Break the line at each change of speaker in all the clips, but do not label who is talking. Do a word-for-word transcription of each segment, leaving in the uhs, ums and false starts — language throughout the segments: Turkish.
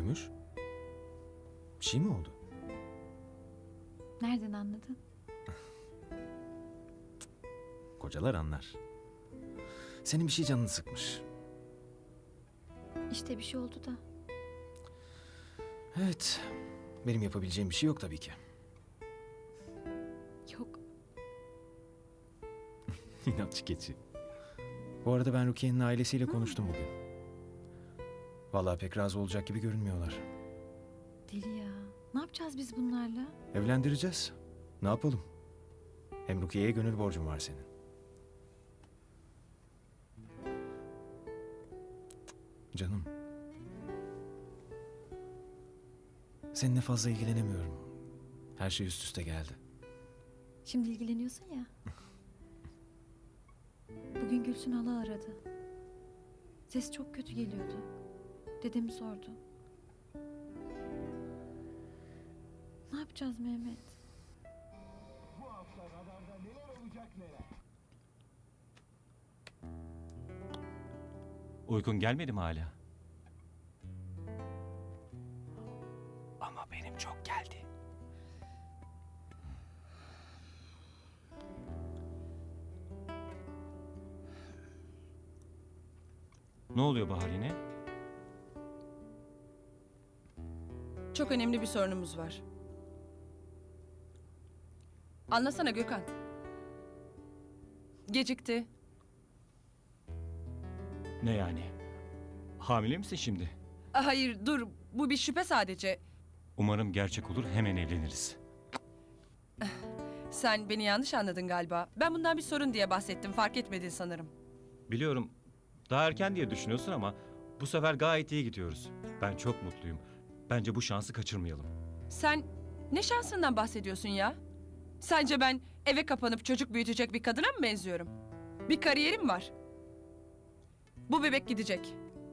Gümüş? Bir şey mi oldu?
Nereden anladın?
Kocalar anlar. Senin bir şey canını sıkmış.
İşte bir şey oldu da.
Evet. Benim yapabileceğim bir şey yok tabii ki.
Yok.
İnatçı keçi. Bu arada ben Rukiye'nin ailesiyle konuştum bugün. Vallahi pek razı olacak gibi görünmüyorlar.
Deli ya. Ne yapacağız biz bunlarla?
Evlendireceğiz. Ne yapalım? Hem Rukiye'ye gönül borcum var senin. Canım. Seninle fazla ilgilenemiyorum. Her şey üst üste geldi.
Şimdi ilgileniyorsun ya. Bugün Gülsün hala aradı. Ses çok kötü geliyordu. Dedemi sordu. Ne yapacağız Mehmet?
Bu hafta radarda neler olacak neler.
Uykun gelmedi mi hala? Ama benim çok geldi. Ne oluyor Bahar yine?
Çok önemli bir sorunumuz var. Anlasana Gökhan. Gecikti.
Ne yani? Hamile misin şimdi?
Ah, hayır dur, bu bir şüphe sadece.
Umarım gerçek olur, hemen evleniriz.
Sen beni yanlış anladın galiba. Ben bundan bir sorun diye bahsettim, fark etmedin sanırım.
Biliyorum, daha erken diye düşünüyorsun ama bu sefer gayet iyi gidiyoruz. Ben çok mutluyum. Bence bu şansı kaçırmayalım.
Sen ne şansından bahsediyorsun ya? Sence ben eve kapanıp çocuk büyütecek bir kadına mı benziyorum? Bir kariyerim var. Bu bebek gidecek.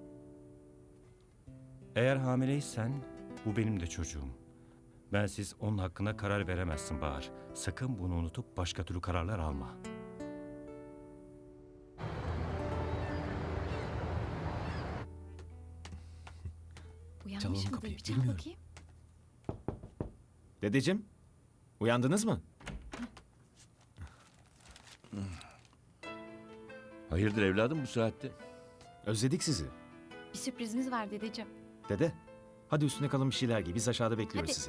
Eğer hamileysen bu benim de çocuğum. Bensiz onun hakkında karar veremezsin Bahar. Sakın bunu unutup başka türlü kararlar alma.
Uyanmış
Çalalım
mıdır?
kapıyı,
Bir çal
bilmiyorum.
bakayım.
Dedeciğim, uyandınız mı?
Hayırdır evladım bu saatte?
Özledik sizi.
Bir sürprizimiz var dedeciğim.
Dede, hadi üstüne kalın bir şeyler giy. Biz aşağıda bekliyoruz
Hadi.
sizi.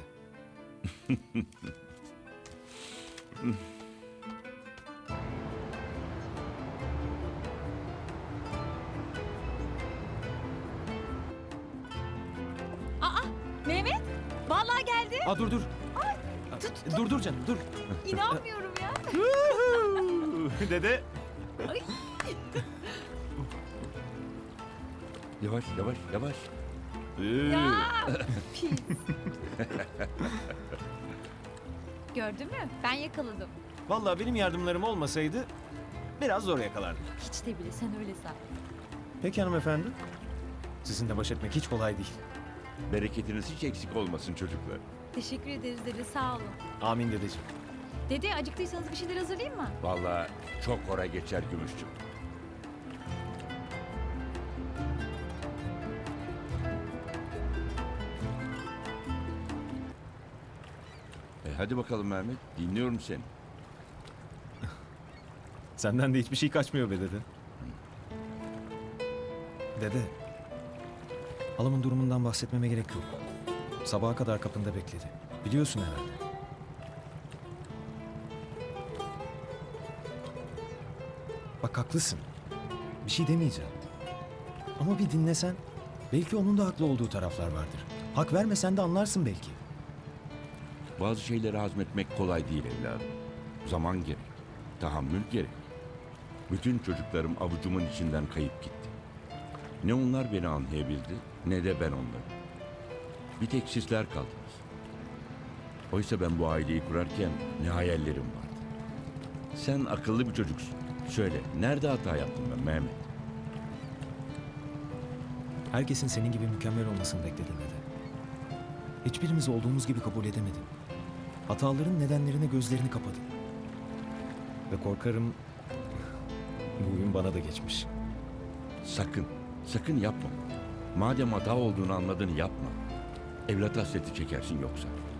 Mehmet! Vallahi geldi.
Aa dur dur.
Tut, tut.
Dur dur canım dur.
İnanmıyorum ya.
Dede.
Yavaş yavaş yavaş.
Ya! Pis. Gördün mü? Ben yakaladım.
Vallahi benim yardımlarım olmasaydı biraz zor yakalardım.
Hiç de bile sen öyle san.
Peki hanımefendi. Sizinle baş etmek hiç kolay değil.
Bereketiniz hiç eksik olmasın çocuklar.
Teşekkür ederiz dede, sağ olun.
Amin dedeciğim.
Dede acıktıysanız bir şeyler hazırlayayım mı?
Vallahi çok ora geçer Gümüşçüm. E hadi bakalım Mehmet, dinliyorum seni.
Senden de hiçbir şey kaçmıyor be dede. Dede. Halamın durumundan bahsetmeme gerek yok. Sabaha kadar kapında bekledi. Biliyorsun herhalde. Bak haklısın. Bir şey demeyeceğim. Ama bir dinlesen belki onun da haklı olduğu taraflar vardır. Hak vermesen de anlarsın belki.
Bazı şeyleri hazmetmek kolay değil evladım. Zaman gerek, tahammül gerek. Bütün çocuklarım avucumun içinden kayıp gitti. Ne onlar beni anlayabildi, ne de ben onları. Bir tek sizler kaldınız. Oysa ben bu aileyi kurarken ne hayallerim vardı. Sen akıllı bir çocuksun. Söyle, nerede hata yaptım ben Mehmet?
Herkesin senin gibi mükemmel olmasını bekledin dede. Hiçbirimiz olduğumuz gibi kabul edemedin. Hataların nedenlerine gözlerini kapadın. Ve korkarım bu oyun bana da geçmiş.
Sakın, sakın yapma. Madem hata olduğunu anladın yapma. Evlat hasreti çekersin yoksa.